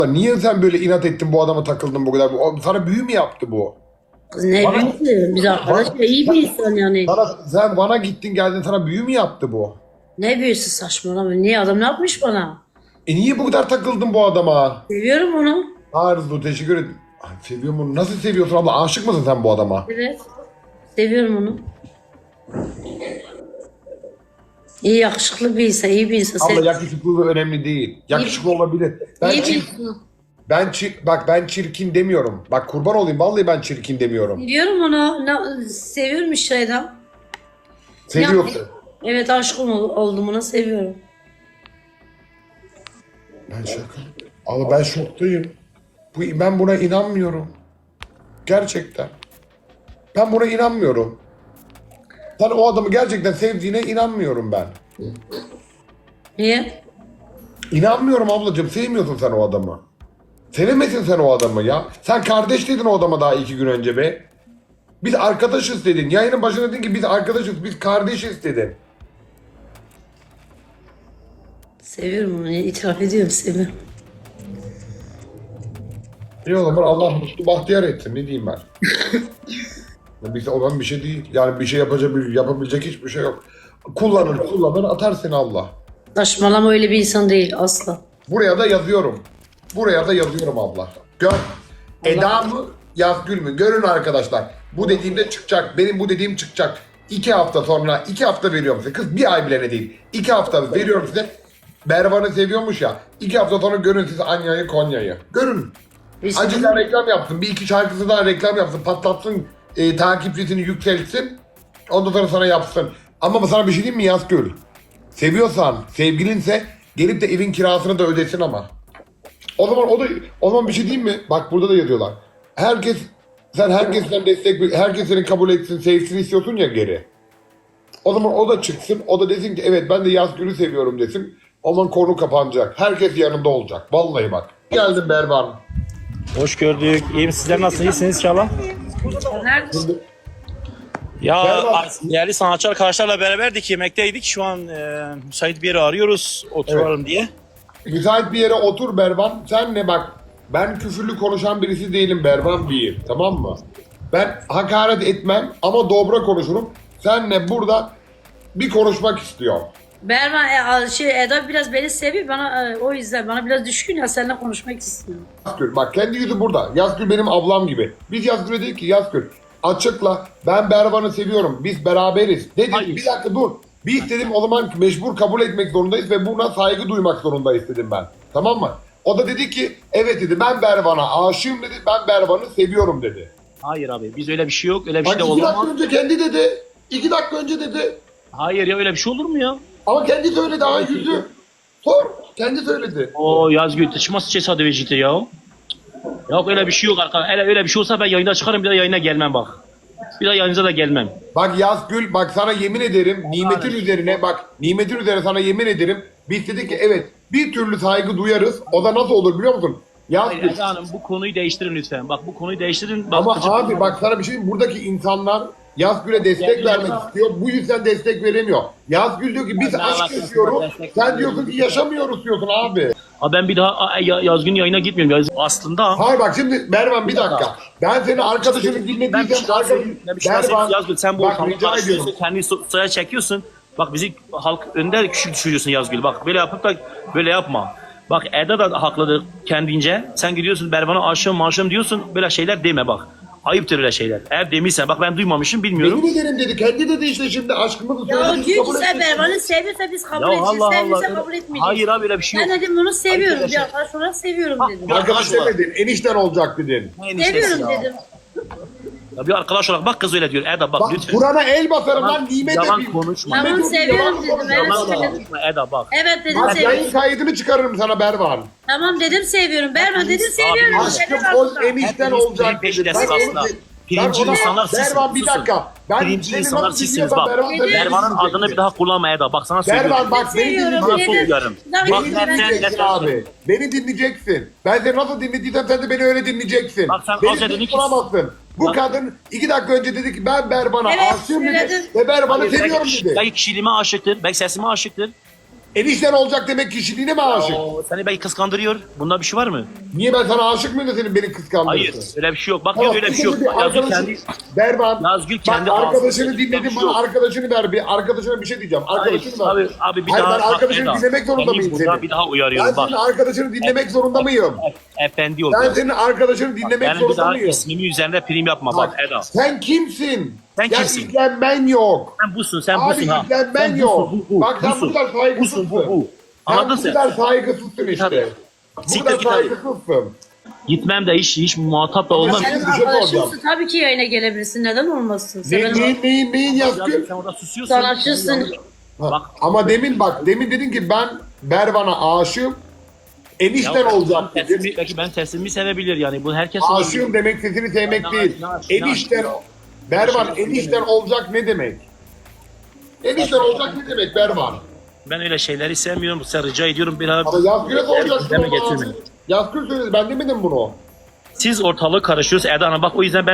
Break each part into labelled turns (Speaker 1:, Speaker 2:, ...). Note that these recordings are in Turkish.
Speaker 1: Niye sen böyle inat ettin bu adama takıldın bu kadar? Sana büyü mü yaptı bu?
Speaker 2: Ne büyüsü? Biz arkadaşlar iyi bir insan yani.
Speaker 1: Sen bana gittin geldin sana büyü mü yaptı bu?
Speaker 2: Ne büyüsü saçmalama. Niye adam ne yapmış bana?
Speaker 1: Niye bu kadar takıldın bu adama?
Speaker 2: Seviyorum onu.
Speaker 1: Arzu teşekkür ederim. Ay, seviyorum onu. Nasıl seviyorsun abla? Aşık mısın sen bu adama?
Speaker 2: Evet. Seviyorum onu. İyi yakışıklı bir insan, iyi bir insan.
Speaker 1: Abla yakışıklılığı önemli değil. Yakışıklı olabilir.
Speaker 2: İyi bir insan.
Speaker 1: Ben çirkin demiyorum. Bak kurban olayım vallahi ben çirkin demiyorum.
Speaker 2: Biliyorum onu. Seviyorum işte adam.
Speaker 1: Seviyorsun.
Speaker 2: Evet aşkım oldum ona seviyorum.
Speaker 1: Ben şaka. Ama ben şoktayım. Ben buna inanmıyorum. Gerçekten. Ben buna inanmıyorum. Sen o adamı gerçekten sevdiğine inanmıyorum ben.
Speaker 2: Niye?
Speaker 1: İnanmıyorum ablacığım. Sevmiyorsun sen o adamı. Sevemesin sen o adamı ya. Sen kardeş dedin o adama daha 2 gün önce be. Biz arkadaşız dedin. Yayının başında dedin ki biz arkadaşız, biz kardeşiz dedin.
Speaker 2: Seviyorum onu. İtiraf ediyorum seviyorum.
Speaker 1: İyi o zaman Allah mutlu bahtiyar etsin. Ne diyeyim ben? Biz olan bir şey değil. Yani bir şey yapabilecek hiçbir şey yok. Kullanır atar seni Allah.
Speaker 2: Saçmalama öyle bir insan değil asla.
Speaker 1: Buraya da yazıyorum. Buraya da yazıyorum abla. Gör. Eda mı? Yazgül mü? Görün arkadaşlar. Bu dediğimde çıkacak. Benim bu dediğim çıkacak. 2 hafta sonra, 2 hafta veriyorum size. Kız bir ay bile ne değil. 2 hafta veriyorum size. Bervan'ı seviyormuş ya. 2 hafta sonra görün siz Anya'yı, Konya'yı. Görün. Acıdan reklam yapsın. Bir iki şarkısı daha reklam yapsın. Patlatsın. Takipçisini yükseltsin. Ondan sonra sana yapsın. Ama sana bir şey diyeyim mi Yazgül? Seviyorsan, sevgilinse gelip de evin kirasını da ödesin ama. O zaman bir şey diyeyim mi? Bak burada da yazıyorlar. Sen herkesten herkes seni kabul etsin, sevsin istiyorsun ya geri. O zaman o da çıksın, o da desin ki evet ben de Yazgül'ü seviyorum desin. O zaman konu kapanacak. Herkes yanında olacak. Vallahi bak. Geldim Berban.
Speaker 3: Hoş gördük. İyiyim. Sizler nasılsınız? İyisiniz inşallah.
Speaker 2: Neredesin?
Speaker 3: Ya
Speaker 1: Merhaba.
Speaker 3: değerli sanatçı arkadaşlarla beraberdik. Yemekteydik. Şu an müsait bir yeri arıyoruz. Oturalım diye.
Speaker 1: Müsait bir yere otur Berban. Sen ne bak. Ben küfürlü konuşan birisi değilim Berban bir. Tamam mı? Ben hakaret etmem ama dobra konuşurum. Senle burada bir konuşmak istiyorum.
Speaker 2: Berman Eda biraz beni seviyor bana o yüzden bana biraz düşkün ya seninle konuşmak istiyorum.
Speaker 1: Yazgül bak kendi yüzü burada. Yazgül benim ablam gibi. Biz Yazgül'e dedik ki Yazgül açıkla ben Berban'ı seviyorum. Biz beraberiz. Dedik
Speaker 3: Hayır.
Speaker 1: bir dakika dur. Biz dedim o zaman mecbur kabul etmek zorundayız ve buna saygı duymak zorundayız dedim ben. Tamam mı? O da dedi ki evet dedi ben Berban'a aşığım dedi. Ben Berban'ı seviyorum dedi.
Speaker 3: Hayır abi. Biz öyle bir şey yok. Öyle bir
Speaker 1: Bak
Speaker 3: şey de
Speaker 1: 2 dakika
Speaker 3: olamaz.
Speaker 1: önce kendi dedi. 2 dakika önce dedi.
Speaker 3: Hayır ya öyle bir şey olur mu ya?
Speaker 1: Ama kendi söyledi ha yüzü. Sor. Kendi söyledi.
Speaker 3: O Yazgül taşıması tesadüfeciktir ya. Yok öyle bir şey yok arkadaşlar. Öyle bir şey olsa ben yayında çıkarım bir daha yayına gelmem bak. Bir daha yayınıza da gelmem.
Speaker 1: Bak Yazgül bak sana yemin ederim nimetin üzerine bak nimetin üzerine sana yemin ederim biz dedik ki evet bir türlü saygı duyarız o da nasıl olur biliyor musun?
Speaker 3: Hayır
Speaker 1: Yazgül
Speaker 3: Eda Hanım bu konuyu değiştirin lütfen. Bak bu konuyu değiştirin. Bak,
Speaker 1: ama
Speaker 3: gıcık
Speaker 1: abi
Speaker 3: olma.
Speaker 1: bak sana bir şey diyeyim, buradaki insanlar Yazgül'e destek
Speaker 3: Yazgül
Speaker 1: vermek
Speaker 3: ama-
Speaker 1: istiyor bu yüzden destek veremiyor. Yazgül diyor ki biz
Speaker 3: Ne
Speaker 1: aşk
Speaker 3: alakası var,
Speaker 1: yaşıyoruz
Speaker 3: destek
Speaker 1: sen
Speaker 3: vermiyor.
Speaker 1: diyorsun ki yaşamıyoruz diyorsun abi.
Speaker 3: Abi ben bir daha Yazgün yayına gitmiyorum. Aslında
Speaker 1: Hayır bak şimdi Mervan bir dakika ben senin arkadaşını
Speaker 3: ben bir
Speaker 1: dinlediysem
Speaker 3: şey daha söyleyeyim. Ben bir şey daha söyleyeyim. Yazgül sen bu
Speaker 1: bak
Speaker 3: ortamda
Speaker 1: rica ediyorum.
Speaker 3: karşılıyorsun. Kendi soya çekiyorsun. Bak bizi halk önde küçük düşürüyorsun Yazgül. Bak böyle yapıp da böyle yapma. Bak Eda da haklıdır kendince. Sen gidiyorsun Berban'a aşığım diyorsun. Böyle şeyler deme bak. Ayıptır öyle şeyler. Eğer demişsen bak ben duymamışım bilmiyorum.
Speaker 1: Yemin ederim dedi kendi dedi işte şimdi aşkımızı
Speaker 2: Ya o
Speaker 1: söyledik
Speaker 2: diyor ki
Speaker 1: kabul
Speaker 2: sen
Speaker 1: ettik.
Speaker 2: Berman'ı seviyorsa biz kabul
Speaker 3: Ya
Speaker 2: edeceğiz.
Speaker 3: Allah
Speaker 2: Sevmiyorsa
Speaker 3: Allah.
Speaker 2: kabul etmeyeceğiz.
Speaker 3: Hayır abi öyle bir şey yok.
Speaker 2: Ben dedim bunu seviyorum.
Speaker 3: Arkadaşlar.
Speaker 2: Bir arkadaş olarak seviyorum dedim.
Speaker 3: Bir
Speaker 1: Arkadaş
Speaker 3: arkadaş olarak.
Speaker 1: demedin, enişten olacak dedin.
Speaker 3: Ne eniştesi
Speaker 2: Seviyorum
Speaker 3: ya?
Speaker 2: dedim.
Speaker 3: Ya bir arkadaş olarak bak kız öyle diyor. Eda bak
Speaker 1: Bak
Speaker 3: lütfen.
Speaker 1: Kur'an'a el basarım lan nimet
Speaker 3: Yalan
Speaker 1: edeyim.
Speaker 3: konuşma.
Speaker 2: Tamam
Speaker 1: Nimet edeyim,
Speaker 2: seviyorum
Speaker 1: yalan
Speaker 2: dedim.
Speaker 1: konuşma,
Speaker 2: Evet
Speaker 1: yalan
Speaker 2: söyledim.
Speaker 3: Konuşma Eda bak.
Speaker 2: Evet dedim
Speaker 1: Bak
Speaker 2: seviyorum.
Speaker 1: yayın kaydını çıkarırım sana Bervan.
Speaker 2: Tamam dedim seviyorum. Berman dedim seviyorum.
Speaker 1: Aşkım
Speaker 2: Neden
Speaker 1: o
Speaker 2: aslında?
Speaker 1: enişten
Speaker 3: Hepiniz
Speaker 1: olacak
Speaker 3: prim
Speaker 1: dedi.
Speaker 3: peşindesiniz
Speaker 1: Ben
Speaker 3: aslında.
Speaker 1: onu-
Speaker 3: Pirinci
Speaker 1: ben ona-
Speaker 3: insanlar sizsiniz.
Speaker 1: Bervan bir
Speaker 3: Susun.
Speaker 1: dakika. Ben
Speaker 3: Pirinci
Speaker 1: seni
Speaker 3: insanlar
Speaker 1: nasıl
Speaker 3: sizsiniz
Speaker 1: dinliyorsam
Speaker 3: bak.
Speaker 1: Bervan seni
Speaker 3: Bervan'ın
Speaker 1: dinleyecek.
Speaker 3: adını bir daha kullanma Eda. Bak sana söylüyorum.
Speaker 1: Bervan bak beni
Speaker 2: Seviyorum
Speaker 3: Bana
Speaker 1: dinleyeceksin.
Speaker 3: son
Speaker 2: dedim.
Speaker 3: uyarım.
Speaker 2: Daha
Speaker 3: Bak
Speaker 2: iyi
Speaker 1: Beni
Speaker 2: ben
Speaker 1: dinleyeceksin
Speaker 3: ne-
Speaker 1: abi. Beni dinleyeceksin. Ben seni nasıl dinlediysem sen de beni öyle dinleyeceksin.
Speaker 3: Bak sen
Speaker 1: Beni
Speaker 3: az önce dedin ki-
Speaker 1: susturamazsın. Bu
Speaker 3: Bak-
Speaker 1: kadın 2 dakika önce dedi ki ben Berban'a
Speaker 2: Evet,
Speaker 1: aşığım dedi.
Speaker 2: söyledim.
Speaker 1: Ve Berban'ı
Speaker 3: Hayır,
Speaker 1: seviyorum dedi.
Speaker 3: belki kişiliğime aşıktır. Belki sesime aşıktır.
Speaker 1: Enişten olacak demek kişiliğine mi aşık?
Speaker 3: Seni belki kıskandırıyor. Bunda bir şey var mı?
Speaker 1: Niye ben sana aşık mıyım da senin beni
Speaker 3: Hayır.
Speaker 1: kıskandırıyorsun?
Speaker 3: Öyle bir şey yok. Bak
Speaker 1: Tamam,
Speaker 3: öyle bir şey yok.
Speaker 1: şimdi
Speaker 3: Yazgül
Speaker 1: arkadaşın-
Speaker 3: kendi...
Speaker 1: Berban.
Speaker 3: Yazgül
Speaker 1: Bak
Speaker 3: kendi
Speaker 1: arkadaşını
Speaker 3: ağzını-
Speaker 1: dinledim,
Speaker 3: Bir şey
Speaker 1: bana
Speaker 3: yok.
Speaker 1: arkadaşını ver. Bir arkadaşına bir şey diyeceğim. Arkadaşını ver.
Speaker 3: Abi bir
Speaker 1: Hayır,
Speaker 3: daha...
Speaker 1: ben arkadaşını
Speaker 3: Eda,
Speaker 1: dinlemek zorunda
Speaker 3: seni
Speaker 1: mıyım
Speaker 3: buradan
Speaker 1: seni?
Speaker 3: bir daha
Speaker 1: Ben
Speaker 3: uyarıyorum. Bak.
Speaker 1: senin arkadaşını dinlemek zorunda mıyım?
Speaker 3: Efendi ol.
Speaker 1: Ben senin arkadaşını dinlemek
Speaker 3: Yani bir
Speaker 1: zorunda
Speaker 3: daha
Speaker 1: mıyım?
Speaker 3: ismimi üzerinde prim yapma. Bak Eda.
Speaker 1: Sen kimsin?
Speaker 3: Sen
Speaker 1: Ya
Speaker 3: kimsin?
Speaker 1: ilgilenmen yok.
Speaker 3: Sen busun, sen
Speaker 1: Abi
Speaker 3: busun ha.
Speaker 1: ilgilenmen
Speaker 3: Sen
Speaker 1: yok.
Speaker 3: busun, bu.
Speaker 1: Bak sen bu
Speaker 3: Busun.
Speaker 1: kadar saygısızsın.
Speaker 3: Busun, bu.
Speaker 1: Sen
Speaker 3: Anladın
Speaker 1: bu
Speaker 3: sen?
Speaker 1: kadar saygısızsın işte.
Speaker 3: Tabii.
Speaker 1: Bu
Speaker 3: Siktir
Speaker 1: kadar
Speaker 3: git abi.
Speaker 1: saygısızsın.
Speaker 3: Gitmem de hiç muhatap da olmam.
Speaker 1: Sen-
Speaker 2: Senin
Speaker 1: bir şey
Speaker 2: arkadaşımsın,
Speaker 1: soracağım.
Speaker 2: tabii ki yayına gelebilirsin. Neden olmasın? Sen
Speaker 1: Neyin
Speaker 3: Ya
Speaker 1: Yazgül?
Speaker 3: sen orada susuyorsun.
Speaker 2: sanatçısın.
Speaker 3: Bak.
Speaker 1: Ama demin dedin ki ben Bervan'a aşığım. Enişten olacak dedin.
Speaker 3: Belki ben sesimi sevebilir yani. Bu herkes
Speaker 1: Aşığım demek sesini sevmek değil. Enişten, Bervan enişten olacak ne demek? Enişten olacak ne demek Bervan?
Speaker 3: Ben öyle şeyleri sevmiyorum. Sen rica ediyorum bir abi.
Speaker 1: Ama Yazgül'e soracaksın.
Speaker 3: Deme
Speaker 1: onu.
Speaker 3: getirmeyin.
Speaker 1: Yazgül söyledi, ben demedim bunu.
Speaker 3: Siz ortalığı karışıyorsunuz Eda Hanım. Bak o yüzden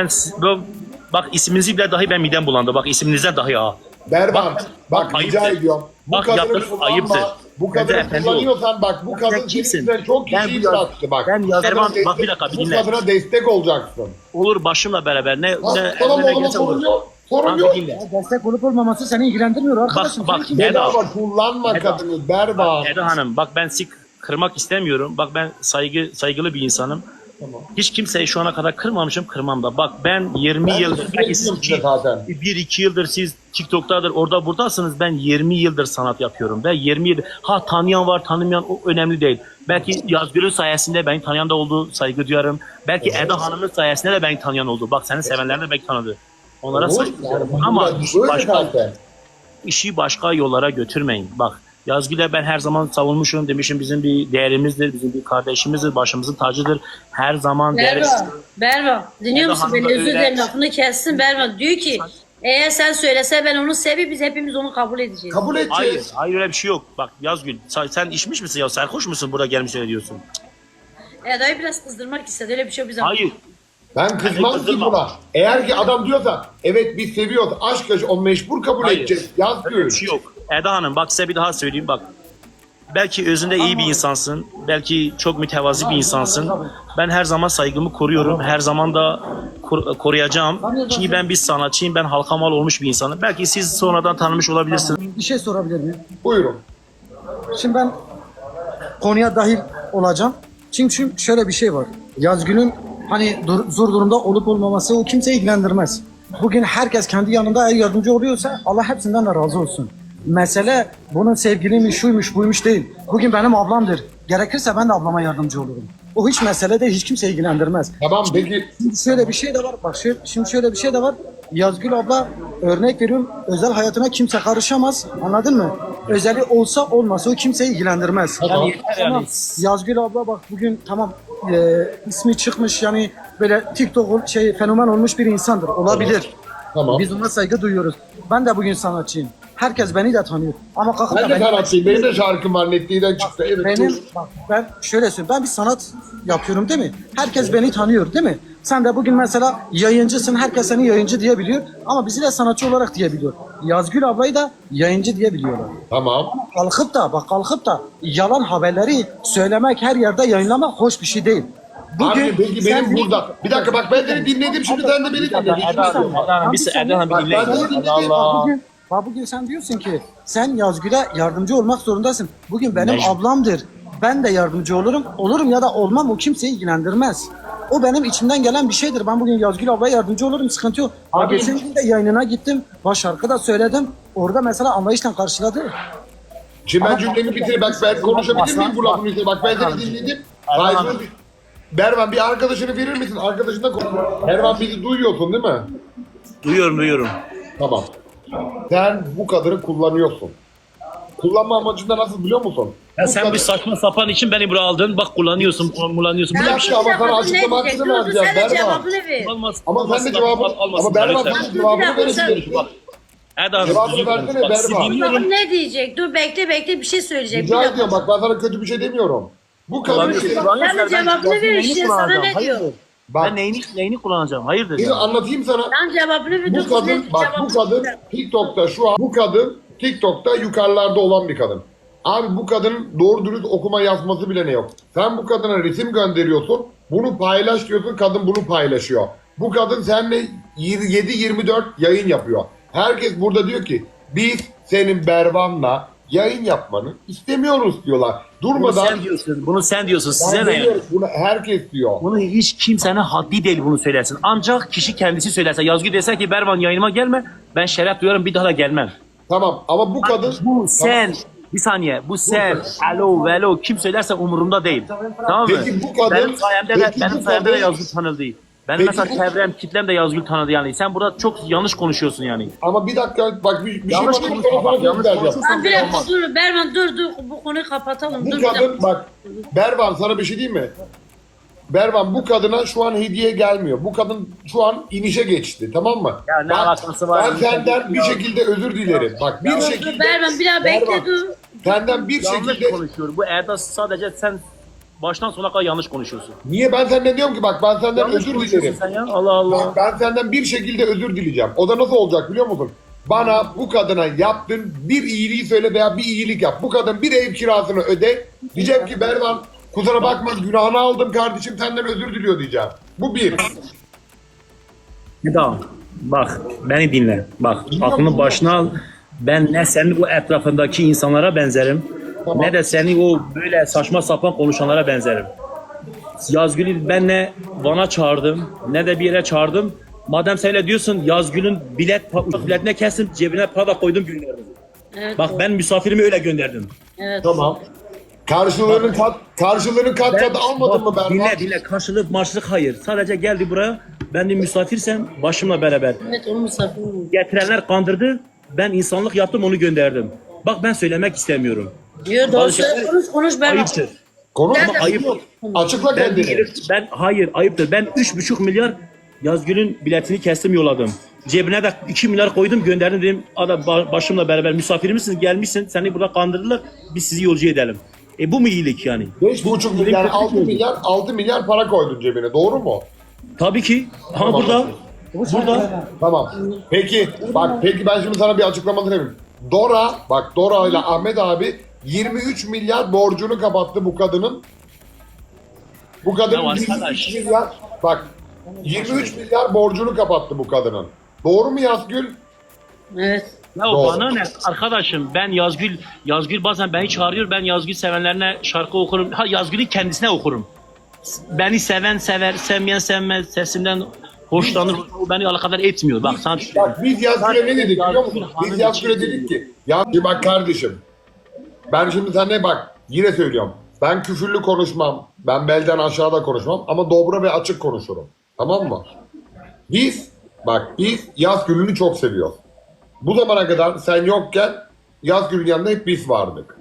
Speaker 3: bak isminizi bile dahi ben midem bulandı. Bak isminizden dahi ha.
Speaker 1: Berban, bak
Speaker 3: ayıptır.
Speaker 1: rica ediyorum. Bu
Speaker 3: Bak,
Speaker 1: kadını
Speaker 3: yaptığınız
Speaker 1: kullanma.
Speaker 3: ayıptır.
Speaker 1: Bu
Speaker 3: Ben de
Speaker 1: kadını
Speaker 3: efendi
Speaker 1: kullanıyorsan bak bu
Speaker 3: Sen
Speaker 1: kadın
Speaker 3: kimsin?
Speaker 1: senin çok
Speaker 3: Ben
Speaker 1: kişiyi
Speaker 3: bu yaz-
Speaker 1: bıraktı bak.
Speaker 3: ben
Speaker 1: Bu
Speaker 3: yaz-
Speaker 1: kadına
Speaker 3: Berban, bak bir dakika, bir
Speaker 1: bu
Speaker 3: dinle.
Speaker 1: kadına destek olacaksın.
Speaker 3: Olur başımla beraber. Ne
Speaker 1: Tamam
Speaker 3: ne
Speaker 1: oğlum
Speaker 3: gelse
Speaker 1: sorun
Speaker 3: olur.
Speaker 1: yok. Sorun
Speaker 3: Tamam,
Speaker 1: yok.
Speaker 3: dinle.
Speaker 4: Destek olup olmaması seni ilgilendirmiyor arkadaşım.
Speaker 3: Bak,
Speaker 4: Sen kim?
Speaker 3: Eda.
Speaker 1: Bedava kullanma
Speaker 3: Eda.
Speaker 1: kadını Berban.
Speaker 3: Eda Hanım bak ben sizi kırmak istemiyorum. Bak ben saygılı bir insanım. Hiç kimseyi şu ana kadar kırmamışım, kırmam da. Bak ben 20
Speaker 1: Ben
Speaker 3: yıldır, belki siz
Speaker 1: size zaten.
Speaker 3: 1-2 yıldır siz TikTok'tadır, orada buradasınız. Ben 20 yıldır sanat yapıyorum ve 20 yıldır. Ha tanıyan var, tanımayan o önemli değil. Belki Yazgül'ün sayesinde beni tanıyan da oldu, saygı duyarım. Belki Eda Hanım'ın sayesinde de beni tanıyan oldu. Bak senin sevenler de belki tanıdı. Onlara
Speaker 1: Olur,
Speaker 3: saygı
Speaker 1: yani
Speaker 3: duyarım.
Speaker 1: bu
Speaker 3: Ama
Speaker 1: böyle zaten.
Speaker 3: işi başka yollara götürmeyin. Bak Yazgül'e ben her zaman savunmuşum demişim bizim bir değerimizdir, bizim bir kardeşimizdir, başımızın tacıdır. Her zaman değeriz.
Speaker 2: Berva, dinliyor
Speaker 3: Eda
Speaker 2: musun
Speaker 3: Hanım
Speaker 2: beni?
Speaker 3: da
Speaker 2: Özür
Speaker 3: öyle.
Speaker 2: dilerim, lafını kessin. Berva diyor ki eğer sen söylese ben onu sevip biz hepimiz onu kabul edeceğiz.
Speaker 1: Kabul
Speaker 3: Hayır,
Speaker 1: edeceğiz.
Speaker 3: hayır öyle bir şey yok. Bak Yazgül, sen içmiş misin ya? Sarhoş musun burada gelmiş öyle diyorsun?
Speaker 2: Eda'yı biraz kızdırmak istedi. Öyle bir şey bize.
Speaker 3: Hayır.
Speaker 1: Ben kızmam ki
Speaker 3: kızdırma.
Speaker 1: buna. Eğer ki adam diyorsa evet biz seviyoruz, aşk yaşı, o mecbur kabul
Speaker 3: Hayır.
Speaker 1: edeceğiz.
Speaker 3: Öyle
Speaker 1: Yazgül.
Speaker 3: bir şey yok. Eda Hanım bak size bir daha söyleyeyim bak. Belki özünde iyi bir insansın. Belki çok mütevazi bir insansın. Ben her zaman saygımı koruyorum. Her zaman da koruyacağım. Çünkü ben bir sanatçıyım. Ben halka mal olmuş bir insanım. Belki siz sonradan tanımış olabilirsiniz.
Speaker 4: Bir şey sorabilir miyim?
Speaker 1: Buyurun.
Speaker 4: Şimdi ben konuya dahil olacağım. Çünkü şöyle bir şey var. Yazgül'ün hani zor durumda olup olmaması o kimseyi ilgilendirmez. Bugün herkes kendi yanında eğer yardımcı oluyorsa Allah hepsinden de razı olsun. Mesele bunun sevgiliymiş, şuymuş, buymuş değil. Bugün benim ablamdır. Gerekirse ben de ablama yardımcı olurum. O hiç mesele değil, hiç kimseyi ilgilendirmez.
Speaker 1: Tamam peki
Speaker 4: Şimdi şöyle bir şey de var. Bak şimdi şöyle bir şey de var. Yazgül abla örnek veriyorum. Özel hayatına kimse karışamaz. Anladın mı? Özeli olsa olmasa o kimseyi ilgilendirmez.
Speaker 1: Tamam.
Speaker 4: Tamam. Yazgül abla bak bugün tamam ismi çıkmış yani böyle TikTok fenomen olmuş bir insandır. Olabilir.
Speaker 1: tamam.
Speaker 4: Biz ona saygı duyuyoruz. Ben de bugün sanatçıyım. Herkes beni de tanıyor. Ama kalkıp
Speaker 1: Ben
Speaker 4: da
Speaker 1: de
Speaker 4: beni-
Speaker 1: sanatçıyım. Benim de şarkım var. Netliğinden çıktı. Evet.
Speaker 4: benim
Speaker 1: dur.
Speaker 4: bak ben şöyle söyleyeyim. Ben bir sanat yapıyorum değil mi? Herkes beni tanıyor değil mi? Sen de bugün mesela yayıncısın. Herkes seni yayıncı diyebiliyor. Ama bizi de sanatçı olarak diyebiliyor. Yazgül ablayı da yayıncı diyebiliyorlar.
Speaker 1: Tamam.
Speaker 4: Kalkıp da yalan haberleri söylemek, her yerde yayınlamak hoş bir şey değil.
Speaker 1: Abi peki
Speaker 4: sen-
Speaker 1: benim burada. Bir dakika bak ben seni dinledim. Şimdi sen de beni dinle.
Speaker 3: Eda Hanım, Eda Hanım bir dinleyin.
Speaker 1: Ben de dinledim.
Speaker 3: Allah.
Speaker 4: Bugün sen diyorsun ki sen Yazgül'e yardımcı olmak zorundasın. Bugün benim
Speaker 3: Mecbur.
Speaker 4: ablamdır. Ben de yardımcı olurum. Olurum ya da olmam o kimseyi ilgilendirmez. O benim içimden gelen bir şeydir. Ben bugün Yazgül ablaya yardımcı olurum. Sıkıntı yok.
Speaker 3: Abi-
Speaker 4: Geçen gün de yayınına gittim. Baş şarkı da söyledim. Orada mesela anlayışla karşıladı.
Speaker 1: Şimdi ben cümlemi bitireyim. Bak ben konuşabilir miyim bu lafın üstüne? Bak ben seni dinledim. Saygılı Bervan bir arkadaşını verir misin? Arkadaşınla konuş. Bervan bizi duyuyorsun değil mi?
Speaker 3: Duyuyorum.
Speaker 1: Tamam. Sen bu kadını kullanıyorsun. Kullanma amacında nasıl biliyor musun?
Speaker 3: Ya
Speaker 1: Bu
Speaker 3: sen
Speaker 1: kadın-
Speaker 3: bir saçma sapan için beni buraya aldın. Bak kullanıyorsun.
Speaker 1: Bir
Speaker 3: Böyle bir şey
Speaker 1: dakika ama sana
Speaker 2: Ne
Speaker 1: açıklama
Speaker 2: diyecek?
Speaker 1: hakkını
Speaker 2: Dur, dur,
Speaker 1: vereceğim.
Speaker 2: sen de
Speaker 1: Bervan.
Speaker 2: cevabını ver.
Speaker 3: olmaz.
Speaker 1: Ama sen de cevabını... Ama Bervan
Speaker 3: lütfen.
Speaker 1: sen de cevabını
Speaker 2: Bir dakika,
Speaker 1: verebilirsin.
Speaker 3: Bak. Eda Hanım.
Speaker 1: Cevabını
Speaker 3: üzülüyorum.
Speaker 1: versene,
Speaker 3: Bak, sizi
Speaker 1: Berban.
Speaker 3: dinliyorum.
Speaker 2: Bakalım ne diyecek? Dur bekle bir şey söyleyecek.
Speaker 1: Rica
Speaker 2: Bir dakika.
Speaker 1: ediyorum bak ben sana kötü bir şey demiyorum. Bu kadın...
Speaker 3: Kullanıyorsun.
Speaker 2: Sen de cevabını ver işte, sana ne diyor?
Speaker 1: Bak
Speaker 3: Ben neyini kullanacağım? Hayırdır?
Speaker 1: şimdi anlatayım sana.
Speaker 2: Sen cevabını ver.
Speaker 1: Bu
Speaker 2: dur,
Speaker 1: kadın
Speaker 2: kız,
Speaker 1: bak bu
Speaker 2: cevabını
Speaker 1: kadın
Speaker 2: ver.
Speaker 1: TikTok'ta şu an bu kadın TikTok'ta yukarılarda olan bir kadın. Abi bu kadının doğru dürüst okuma yazması bile ne yok. Sen bu kadına resim gönderiyorsun. Bunu paylaş diyorsun. Kadın bunu paylaşıyor. Bu kadın seninle 7-24 yayın yapıyor. Herkes burada diyor ki biz senin Bervan'la yayın yapmanı istemiyoruz diyorlar.
Speaker 3: Bunu
Speaker 1: Durmadan
Speaker 3: sen diyorsun. Bunu sen diyorsun.
Speaker 1: ben
Speaker 3: Size ne yani?
Speaker 1: demiyorum, bunu herkes diyor.
Speaker 3: Bunu hiç kimsenin haddi değil bunu söylesin. Ancak kişi kendisi söylerse. Yazgül dese ki Bervan yayınıma gelme. Ben şeref duyarım bir daha da gelmem.
Speaker 1: Tamam ama bu kadın
Speaker 3: Bu sen. Bir saniye. Bu sen. Alo velo. Kim söylerse umurumda değil. Tamam mı?
Speaker 1: Peki bu kadın-
Speaker 3: Benim sayemde de,
Speaker 1: peki bu
Speaker 3: benim sayemde de
Speaker 1: kadın-
Speaker 3: Yazgül tanındı. Benim
Speaker 1: Peki
Speaker 3: mesela
Speaker 1: bu-
Speaker 3: çevrem, kitlem de Yazgül tanıdı yani. Sen burada çok yanlış konuşuyorsun yani.
Speaker 1: ama bir dakika bak bir şey
Speaker 3: Yanlış
Speaker 1: bana
Speaker 3: konuşma, bak, yanlış
Speaker 1: vereceğim.
Speaker 3: konuşursan-
Speaker 2: Bir dakika dur Berman dur bu konuyu kapatalım.
Speaker 1: Bu
Speaker 2: Dur bir dakika.
Speaker 1: kadın bak Bervan sana bir şey diyeyim mi? Bervan bu kadına şu an hediye gelmiyor. Bu kadın şu an inişe geçti tamam mı?
Speaker 3: Ya ne
Speaker 1: Bak,
Speaker 3: alakası var?
Speaker 1: ben senden bir şekilde özür dilerim. Bak bir
Speaker 2: Dur
Speaker 1: şekilde
Speaker 2: Berman bir daha bekle
Speaker 1: Bervan,
Speaker 2: dur.
Speaker 1: senden bir
Speaker 3: Yanlış
Speaker 1: şekilde
Speaker 3: konuşuyor. Bu Eda sadece sen baştan sona kadar yanlış konuşuyorsun.
Speaker 1: niye ben senden diyorum ki bak ben senden
Speaker 3: Yanlış
Speaker 1: özür
Speaker 3: konuşuyorsun
Speaker 1: dilerim.
Speaker 3: sen ya. Allah Allah.
Speaker 1: Bak, ben senden bir şekilde özür dileyeceğim. O da nasıl olacak biliyor musun? Bana bu kadına yaptığın bir iyiliği söyle veya bir iyilik yap. Bu kadın bir ev kirasını öde. Diyeceğim ki Bervan kusura bakma günahını aldım kardeşim senden özür diliyor diyeceğim. Bu bir.
Speaker 3: Tamam. Bak beni dinle. Bak aklını başına al. Ben ne senin o etrafındaki insanlara benzerim.
Speaker 1: Tamam.
Speaker 3: Ne de senin o böyle saçma sapan konuşanlara benzerim. Yazgül'ü ben ne Van'a çağırdım ne de bir yere çağırdım. Madem sen öyle diyorsun Yazgül'ün biletine kestim cebine para da koydum gönderdim.
Speaker 2: Evet,
Speaker 3: Bak ben misafirimi öyle gönderdim.
Speaker 2: evet.
Speaker 1: Tamam. Karşılığını kat
Speaker 3: Ben-
Speaker 1: kat almadın mı
Speaker 3: bak,
Speaker 1: Bervan?
Speaker 3: dinle karşılık maçlık hayır. Sadece geldi buraya ben de misafirsem başımla beraber.
Speaker 2: Evet onu misafir oldu.
Speaker 3: Getirenler kandırdı. Ben insanlık yaptım onu gönderdim. Bak ben söylemek istemiyorum.
Speaker 2: Diyor doğru
Speaker 3: Bazı
Speaker 2: söyle.
Speaker 3: şeyler
Speaker 2: Konuş Berman.
Speaker 3: Ayıptır.
Speaker 1: Konu
Speaker 2: Ben-
Speaker 1: ama
Speaker 3: Ayıp.
Speaker 1: açıkla kendini.
Speaker 3: Hayır ayıptır. Ben 3,5 milyar Yazgül'ün biletini kestim yolladım. Cebine de 2 milyar koydum gönderdim dedim. Adam başımla beraber misafirimizsin gelmişsin seni burada kandırdılar biz sizi yolcu edelim. Bu mu iyilik yani?
Speaker 1: 5,5 milyar, 6 milyar para koydun cebine. Doğru mu?
Speaker 3: Tabii ki. Ha burada.
Speaker 1: Tamam. Peki peki ben şimdi sana bir açıklamasını yapayım. Dora ile Ahmet abi 23 milyar borcunu kapattı bu kadının. Bu kadının
Speaker 3: Ya
Speaker 1: 23
Speaker 3: arkadaş.
Speaker 1: milyar 23 milyar borcunu kapattı bu kadının. Doğru mu Yazgül?
Speaker 2: Evet.
Speaker 3: Ya
Speaker 1: Doğru.
Speaker 3: bana ne arkadaşım ben Yazgül bazen beni çağırıyor ben Yazgül sevenlerine şarkı okurum. Ha Yazgül'ün kendisine okurum. Beni seven sever, sevmeyen sevmez, sesimden hoşlanır. O beni alakadar etmiyor. Bak sana
Speaker 1: Bak biz Yazgül'e ne dedik biliyor musun? Biz
Speaker 3: Hanım
Speaker 1: Yazgül'e
Speaker 3: için
Speaker 1: dedik ki Yazgül bak kardeşim ben şimdi sana bak yine söylüyorum. Ben küfürlü konuşmam. Ben belden aşağıda konuşmam ama dobra ve açık konuşurum. Tamam mı? Biz Yazgül'ünü çok seviyoruz. Bu zamana kadar sen yokken Yazgül'ün yanında hep biz vardık.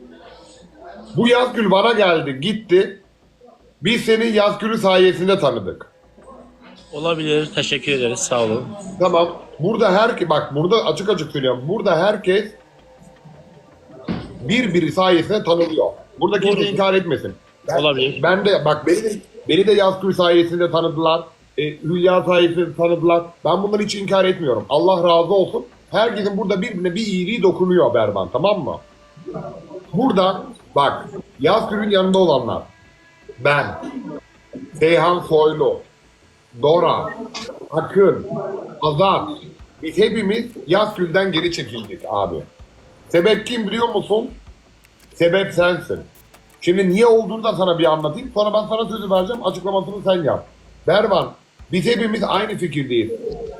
Speaker 1: Bu Yazgül bana geldi gitti. Biz seni Yazgül'ü sayesinde tanıdık.
Speaker 3: olabilir. Teşekkür ederiz. Sağ olun.
Speaker 1: Tamam. Burada burada açık açık söylüyorum. Burada herkes birbiri sayesinde tanınıyor. Burada kimse inkar etmesin.
Speaker 3: Olabilir.
Speaker 1: Ben de beni de Yazgül sayesinde tanıdılar. Hülya sayesinde tanıdılar. Ben bunları hiç inkar etmiyorum. Allah razı olsun. Herkesin burada birbirine bir iyiliği dokunuyor Berban. Tamam mı? Burada Yazgül'ün yanında olanlar. Ben, Seyhan Soylu, Dora, Akın, Azat. Biz hepimiz Yazgül'den geri çekildik abi. Sebep kim biliyor musun? Sebep sensin. Şimdi niye olduğunu da sana bir anlatayım. Sonra ben sana sözü vereceğim. Açıklamasını sen yap. Bervan, biz hepimiz aynı fikirdeyiz.